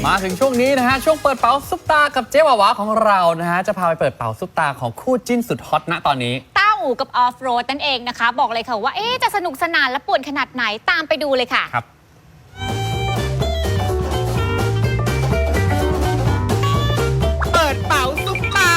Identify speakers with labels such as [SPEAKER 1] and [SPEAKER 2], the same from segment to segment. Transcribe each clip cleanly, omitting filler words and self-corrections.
[SPEAKER 1] มาถึงช่วงนี้นะฮะช่วงเปิดเป๋าซุปตากับเจ๊วาวาของเรานะฮะจะพาไปเปิดเป๋าซุปตาของคู่จิ้นสุดฮอตณตอนนี้
[SPEAKER 2] ต้าอู่กับออฟโรดนั่นเองนะคะบอกเลยค่ะว่าจะสนุกสนานและป่วนขนาดไหนตามไปดูเลยค่ะ
[SPEAKER 1] ครับ
[SPEAKER 3] เปิดเป๋าซุปตา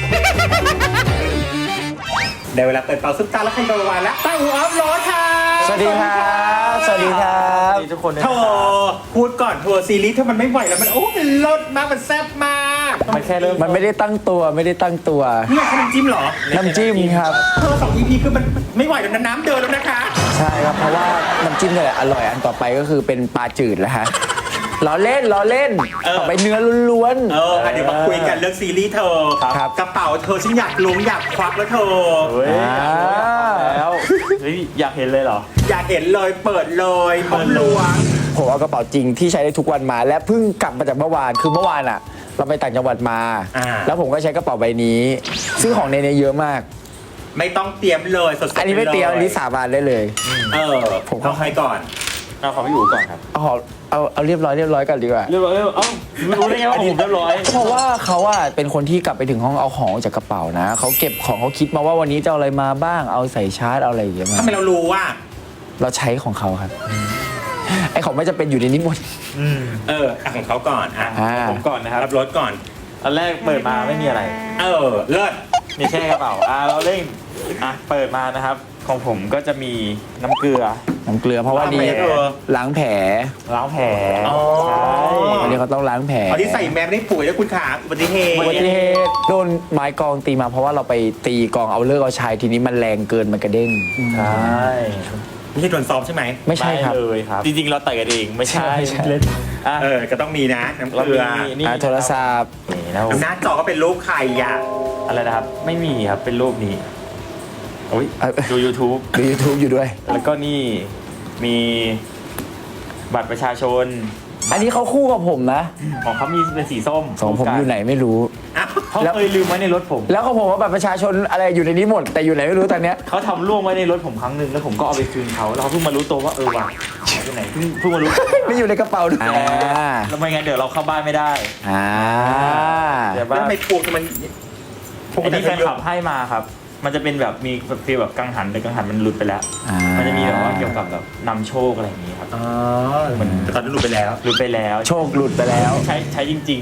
[SPEAKER 3] ได้เวลาเปิดเป๋าซุปตาแล้วใครโดนวันแล้วต้าอู่ออฟโรดค่ะ
[SPEAKER 4] สวัสดีครับสวัสดีครับทุกคน
[SPEAKER 3] เธอพูดก่อนทัวร์ซีรีส์ถ้ามันไม่ไหวแล้วมันมันเลิศมากมันแซ่บมาก
[SPEAKER 4] มันแค่เริ่มมันไม่ได้ตั้งตัว
[SPEAKER 3] นี่แค่น้ำจิ้มเหรอ
[SPEAKER 4] น้ำจิ้มครับ
[SPEAKER 3] เธอ2 EP คือมันไม่ไหวแล้วนะน้ำเดินแล้วนะคะ
[SPEAKER 4] ใช่ครับเพราะว่าน้ำจิ้มเนี่ยอร่อยอันต่อไปก็คือเป็นปลาจืดแล้วฮะล้อเล่นต่อไปเนื้อล้วน
[SPEAKER 3] ๆเดี๋ยวมาคุยกันเรื่องซีรีส์เธอกระเป๋าเธอฉันอยากล้วงอยากควักแล้วเธอ
[SPEAKER 4] แล้วอยากเห็นเลยเหรอ
[SPEAKER 3] อยากเห็นเลยเปิดเลยล้วง
[SPEAKER 4] ผมเอากระเป๋าจริงที่ใช้ได้ทุกวันมาและเพิ่งกลับมาจากเมื่อวานคือเมื่อวานอ่ะเราไปต่างจังหวัดมาแล้วผมก็ใช้กระเป๋าใบนี้ซึ่งของในนี้เยอะมาก
[SPEAKER 3] ไม่ต้องเตรียมเลยสดๆ
[SPEAKER 4] อันนี้ไม่เตรียมอันนี้สาบานได้เลย
[SPEAKER 3] ผมเข้าให้ก่อน
[SPEAKER 4] เอาของพี่อู๋ก่อนครับเอาเรียบร้อยกันดีกว่า
[SPEAKER 5] เรียบร้อยไม่รู้ได้ไงว่าผมเรียบร้อย
[SPEAKER 4] เพราะว่าเขาเป็นคนที่กลับไปถึงห้องเอาของจากกระเป๋านะเขาเก็บของเขาคิดมาว่าวันนี้จะเอาอะไรมาบ้างเอาใส่ชาร์จเอาอะไรอย่างเงี้ยมา
[SPEAKER 3] ทำไมเรารู้ว่า
[SPEAKER 4] เราใช้ของเขาครับไอของไม่จะเป็นอยู่ในนี้หมด
[SPEAKER 3] ของเขาก่อน
[SPEAKER 5] ผมก่อนนะครับ
[SPEAKER 3] รับรถก่อน
[SPEAKER 5] อันแรกเปิดมาไม่มีอะไร
[SPEAKER 3] เลิศ
[SPEAKER 5] มีแค่กระเป๋าเราเร่งเปิดมานะครับของผมก็จะมีน้ำเกลือ
[SPEAKER 4] เพราะว่านี่ล้างแผล
[SPEAKER 5] ใช่
[SPEAKER 4] วันนี้เขาต้องล้างแผล
[SPEAKER 3] ที่ใส่แมสได้ป่วยแล้วคุณขาอุบัติเห
[SPEAKER 4] ตุโดนไม้กองตีมาเพราะว่าเราไปตีกองเอาเลิกเอาชัยทีนี้มันแรงเกินมันกระเด้ง
[SPEAKER 5] ใช่
[SPEAKER 3] ไม่ใช่โดนซ้อมใช่ไหม
[SPEAKER 4] ไม่ใช่ครับ
[SPEAKER 5] เลยครับจริงๆเราต่อยกันเองไม่ใช่เล่น
[SPEAKER 3] ก็ต้องมีนะน้ำเกลือ
[SPEAKER 4] โทรศัพท์
[SPEAKER 3] หน้าจอก็เป็นรูปใคร
[SPEAKER 5] อะไรนะครับไม่มีครับเป็นรูปนี้ดู YouTube
[SPEAKER 4] อยู่ด้วย
[SPEAKER 5] แล้วก็นี่มีบัตรประชาชน
[SPEAKER 4] อันนี้เขาคู่กับผมนะ
[SPEAKER 5] ของเขามีเป็นสีส้ม
[SPEAKER 4] ของผมอยู่ไหนไม่รู้
[SPEAKER 5] เขาเคยลืมไว้ในรถผม
[SPEAKER 4] แล้วของผมว่าบัตรประชาชนอะไรอยู่ในนี้หมดแต่อยู่ไหนไม่รู้ตอนเนี้ย
[SPEAKER 5] เขาทำล่วงไว้ในรถผมครั้งหนึ่งแล้วผมก็เอาไปคืนเขาแล้วเขาเพิ่งมารู้ตัวว่าว่ะอยู่ไหนเพิ่งมารู้
[SPEAKER 4] ไม่อยู่ในกระเป๋าด้วย
[SPEAKER 5] แล้วไม่งั้นเดี๋ยวเราเข้าบ้านไม่ได้
[SPEAKER 3] เดี๋ยวไม่พวกมัน
[SPEAKER 5] อันนี้แฟนคลับให้มาครับมันจะเป็นแบบมีฟีลแบบกังหันแต่กังหันมันหลุดไปแล้วมันจะมีแบบว่าเกี่ยวกับแบบนำโชคอะไรอย่างนี้ครับ
[SPEAKER 3] มันตอนนั้นหลุดไปแล้ว
[SPEAKER 4] โชคหลุดไปแล้ว
[SPEAKER 5] ใช้จริง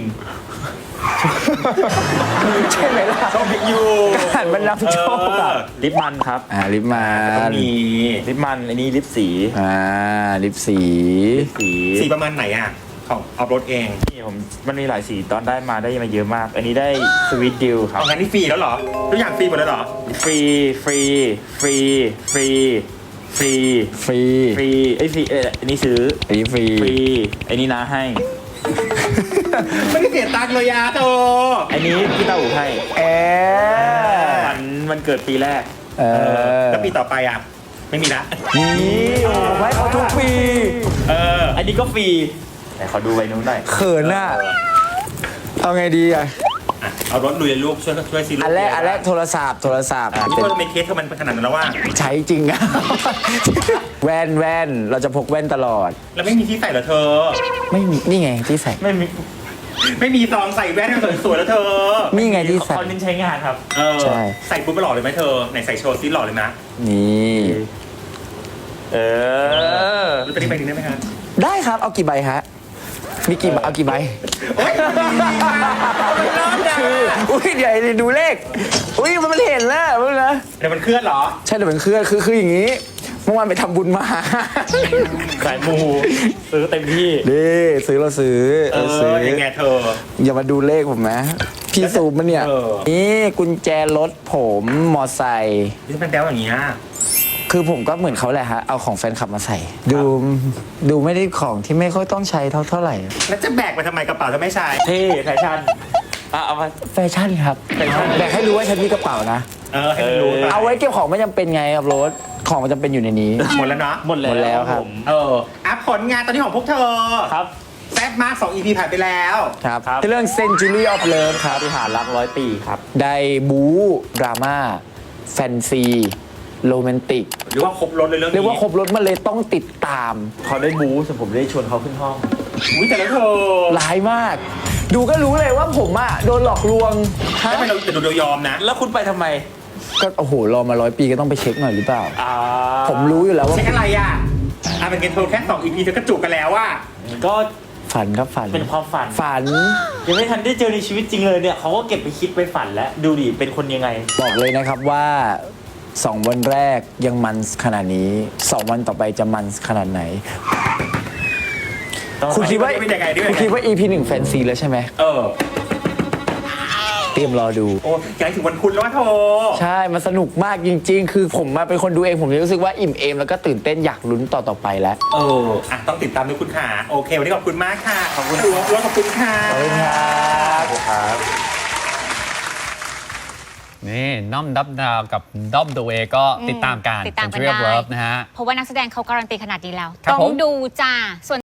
[SPEAKER 4] ๆใช่ไหมล่ะ
[SPEAKER 3] โชคอยู่
[SPEAKER 4] กังหันมันนำโชค
[SPEAKER 5] ลิปมันครับ
[SPEAKER 4] ลิปมัน
[SPEAKER 5] มีลิปมันอันนี้ลิปสี
[SPEAKER 4] ลิปสี
[SPEAKER 3] ประมาณไหนของออฟโรดเอง
[SPEAKER 5] นี่มันมีหลายสีตอนได้มาเยอะมากอันนี้ได้สวีทดิลครับ
[SPEAKER 3] งั้นนี่ฟรีแล้วเหรอทุกอย่างฟรีหมดแล้วเหรอ
[SPEAKER 5] ฟรีฟรีอันนี้ซื้อ
[SPEAKER 4] อันนี้ฟรี
[SPEAKER 5] อันนี้น้าให้
[SPEAKER 3] ไม่ได้เสียตังค์เลยโต
[SPEAKER 5] อันนี้พี่เต้าหูให้มันเกิดปีแรก
[SPEAKER 3] แล้วปีต่อไปไม่มีละ
[SPEAKER 4] นี่ไว้เขาทุกปี
[SPEAKER 5] อันนี้ก็ฟรีแต่ขอดูใบนู้นหน่อย
[SPEAKER 4] เขินเอาไงดี
[SPEAKER 3] เอารถลุยลูกช่วยซี
[SPEAKER 4] อันแรกโทรศัพท์
[SPEAKER 3] นี่เธอไม่เคสเธอมันขนาดนั้นแล้วว่า
[SPEAKER 4] ใช้จริงแว่นเราจะพกแว่นตลอด
[SPEAKER 3] แล้วไม่มีที่ใส่เหรอเธอ
[SPEAKER 4] ไม่มีนี่ไงที่ใส่
[SPEAKER 3] ไม่มีซองใส่แว่นให้สวยๆแล้วเธอ
[SPEAKER 4] นี่ไงที่ใส่
[SPEAKER 5] เขาเน้นใช้งานครับ
[SPEAKER 4] ใช่
[SPEAKER 3] ใส่ปุ๊บไปหล่อเลยไหมเธอไหนใส่โชว์ซิหล่อเลยนะ
[SPEAKER 4] นี่
[SPEAKER 3] รู้ตัวนี้ไปถึงได้ไหมครับ
[SPEAKER 4] ได้ครับเอากี่ใบฮะมีกี่เอากี่ใบคือเดี๋ยวดูเลขมันเห็นแล้วนะ
[SPEAKER 3] เดี๋ยวมันเคลื่อนเหรอ
[SPEAKER 4] ใช่เดี๋ยวมันเคลื่อนคืออย่างนี้เมื่อวานไปทำบุญมา
[SPEAKER 5] ขายมูซื้อเต็มที่
[SPEAKER 4] เราซื้อ
[SPEAKER 3] ยังไงเธอ
[SPEAKER 4] อย่ามาดูเลขผมนะพี่ซูมมันเนี่ยนี่กุญแจรถผมมอไซค์
[SPEAKER 3] นี่เป็นแป๊วอย่างนี้
[SPEAKER 4] คือผมก็เหมือนเขาแหละฮะเอาของแฟนคลับมาใส่ดูไม่ได้ของที่ไม่ค่อยต้องใช้เท่าไหร่
[SPEAKER 3] แล้วจะแบกไปทำไมกระเป๋าจะไม่ใช่
[SPEAKER 5] แฟชั่น
[SPEAKER 4] เอามาแฟชั่นครับแบกให้รู้ว่าฉันมีกระเป๋านะ
[SPEAKER 3] ให้รู้
[SPEAKER 4] เอาไว้เก็บของไม่จำเป็นไงครับรถของมันจำเป็นอยู่ในนี้
[SPEAKER 3] หมดแล้วเนาะ
[SPEAKER 4] หมดแล้วครับ
[SPEAKER 3] ผลงานตอนนี้ของพวกเธอ
[SPEAKER 5] ครับ
[SPEAKER 3] แซ่บมาก2 EP ผ่านไปแล้ว
[SPEAKER 4] ครับเรื่อง Century of Love ครับ
[SPEAKER 5] ที่หารัก100 ปีครับ
[SPEAKER 4] ได้บู๊ดราม่าแฟนซีโรแมนติก
[SPEAKER 3] หรือว่าครบรถเลยเรื่องนี้
[SPEAKER 4] เรียกว่าครบรถมันเลยต้องติดตาม
[SPEAKER 5] เขาได้บู๊ส่วนผมได้ชวนเขาขึ้นห้อง
[SPEAKER 3] อุ้ยแต่แล้วเธอ
[SPEAKER 4] ร้ายมาก ดูก็รู้เลยว่าผมอะโดนหลอกลวงฮะ
[SPEAKER 3] ไม่เราแต่ดูเรายอมนะ
[SPEAKER 5] แล้วคุณไปทำไม
[SPEAKER 4] ก็โอ้โหรอมา100 ปีก็ต้องไปเช็คหน่อยหรือเปล่า
[SPEAKER 5] อ่า
[SPEAKER 4] ผมรู้อยู่แล้วว่า
[SPEAKER 3] เช็คอะไรอ่ะเป็นเกมโทรแค่2 EP เธอก็จุกกันแล้วว่า
[SPEAKER 5] ก็
[SPEAKER 4] ฝันครับฝัน
[SPEAKER 5] เป็นความฝัน
[SPEAKER 4] ฝัน
[SPEAKER 5] ยังไม่ทันได้เจอในชีวิตจริงเลยเนี่ยเขาก็เก็บไปคิดไปฝันแล้วดูดิเป็นคนยังไง
[SPEAKER 4] บอกเลยนะครับว่า 2 วันแรกยังมันขนาดนี้ 2 วันต่อไปจะมันขนาดไหน คุณคิดว่า
[SPEAKER 3] ไม่ได้ไงด้วย
[SPEAKER 4] คุณคิดว่า EP 1 แฟนซีแล้วใช่ไหม
[SPEAKER 3] เออ
[SPEAKER 4] เตรียมรอดู
[SPEAKER 3] โอ้ยายถึงวันพุธแล้วว่าโท
[SPEAKER 4] ใช่ มันสนุกมากจริง ๆ คือผมมาเป็นคนดูเอง ผมรู้สึกว่าอิ่มเอมแล้วก็ตื่นเต้นอยากลุ้นต่อไปแล้ว
[SPEAKER 3] ต้องติดตามด้วยคุณค่ะโอเค วันนี้ขอบคุณมากค่ะ ขอบคุณอ้วนขอบคุณค่ะ
[SPEAKER 4] ขอบคุณครับ
[SPEAKER 1] นี่น้อมดับดาวกับด้อมเดอะเวก็ติดตามกัน
[SPEAKER 2] ติดตามกัน
[SPEAKER 1] Century of
[SPEAKER 2] ได้
[SPEAKER 1] Love นะฮะ
[SPEAKER 2] เพราะว่านักแสดงเขาการันตีขนาดนี้แล้ว
[SPEAKER 1] ครับ
[SPEAKER 2] ต้อ
[SPEAKER 1] ผ
[SPEAKER 2] ง
[SPEAKER 1] ม
[SPEAKER 2] ดูจ้าส่วน